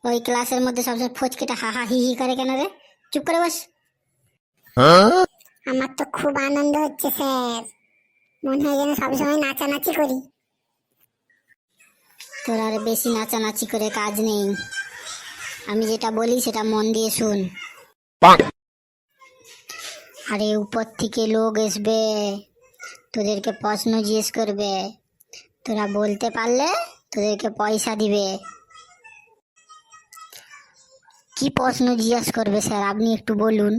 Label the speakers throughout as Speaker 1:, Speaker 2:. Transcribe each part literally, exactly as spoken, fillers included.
Speaker 1: ওই ক্লাসের মধ্যে সবসময় ফচকেটা হা হা হি হি করে কেন রে? চুপ করে বস।
Speaker 2: আমার তো খুব আনন্দ হচ্ছে স্যার, মনে হয় যেন সবসময় নাচানাচি করি।
Speaker 1: তোর আর বেশি নাচানাচি করে কাজ নেই, আমি যেটা বলি সেটা মন দিয়ে শুন। আরে উপর থেকে লোক আসবে, তোদেরকে প্রশ্ন জিজ্ঞেস করবে, তোরা বলতে পারলে তোদেরকে পয়সা দিবে। কি প্রশ্ন জিজ্ঞেস করবে স্যার আপনি একটু বলুন।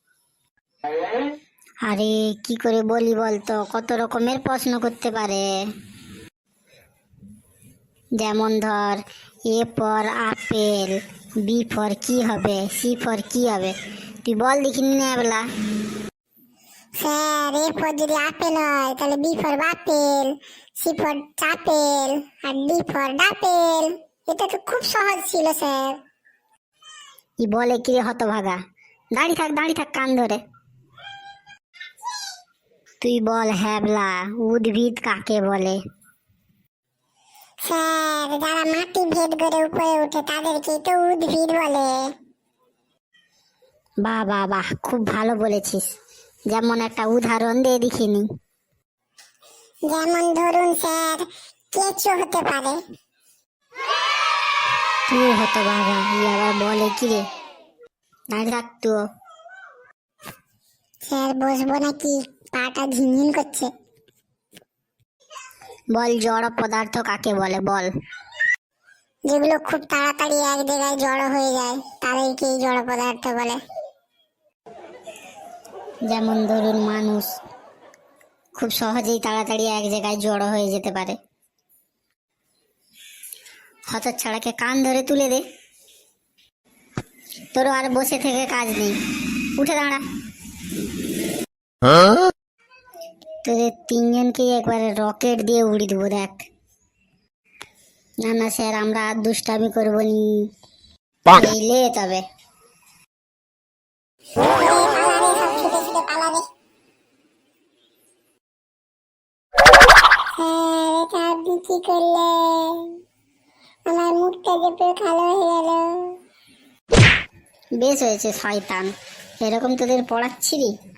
Speaker 1: আরে কি করে বলি বলতো, কত রকমের প্রশ্ন করতে পারে। যেমন ধর, A for apple, B for কি হবে, সি ফর কি হবে, তুই বল দেখিনি না বেলা।
Speaker 2: স্যার এ ফর যদি আপেল হয় তাহলে বি ফর বাপেল, সি ফর চাপেল, আর ডি ফর ডাপেল। এটা তো খুব সহজ ছিল স্যার।
Speaker 1: ই বলে কি রে হতভাগা, দাঁড়িয়ে থাক দাঁড়িয়ে থাক কান ধরে। তুই বল হ্যাবলা, উদ্ভিদ কাকে বলে?
Speaker 2: স্যার যারা মাটি ভেদ করে উপরে উঠে তাদেরকে তো উদ্ভিদ বলে।
Speaker 1: বাহ বাহ বাহ, খুব ভালো বলেছিস। যেমন একটা উদাহরণ দিয়ে দেখিনি।
Speaker 2: যেমন ধরুন স্যার, কেঁচো হতে পারে।
Speaker 1: তুই হতভাগা, ই আবার বলে কি রে, দাঁড়িয়ে থাক তো।
Speaker 2: স্যার বসবো নাকি, পাটা ঝিনঝিন করছে।
Speaker 1: বল জড় পদার্থ কাকে বলে বল।
Speaker 2: যেগুলো খুব তাড়াতাড়ি এক জায়গায় জড়ো হয়ে যায় তাদেরকেই জড় পদার্থ বলে।
Speaker 1: যেমন ধরুন মানুষ খুব সহজেই তাড়াতাড়ি এক জায়গায় জড়ো হয়ে যেতে পারে। হতচ্ছাড়াকে কান ধরে তুলে দে, তোরও আর বসে থেকে কাজ নেই, উঠে দাঁড়া। তোদের তিনজনকে একবারে রকেট দিয়ে উড়িয়ে দেবো দেখ। না না স্যার, আমরা আর দুষ্টামি করবো নি, লে তবে।
Speaker 2: পালারে সব ছুটে ছুটে পালারে। স্যার এটা আপনি কি করলেন, আমার মুখটা যে পুরো কালো হয়ে গেল।
Speaker 1: বেশ হয়েছে শয়তান, এরকম তোদের পড়াচ্ছিলি।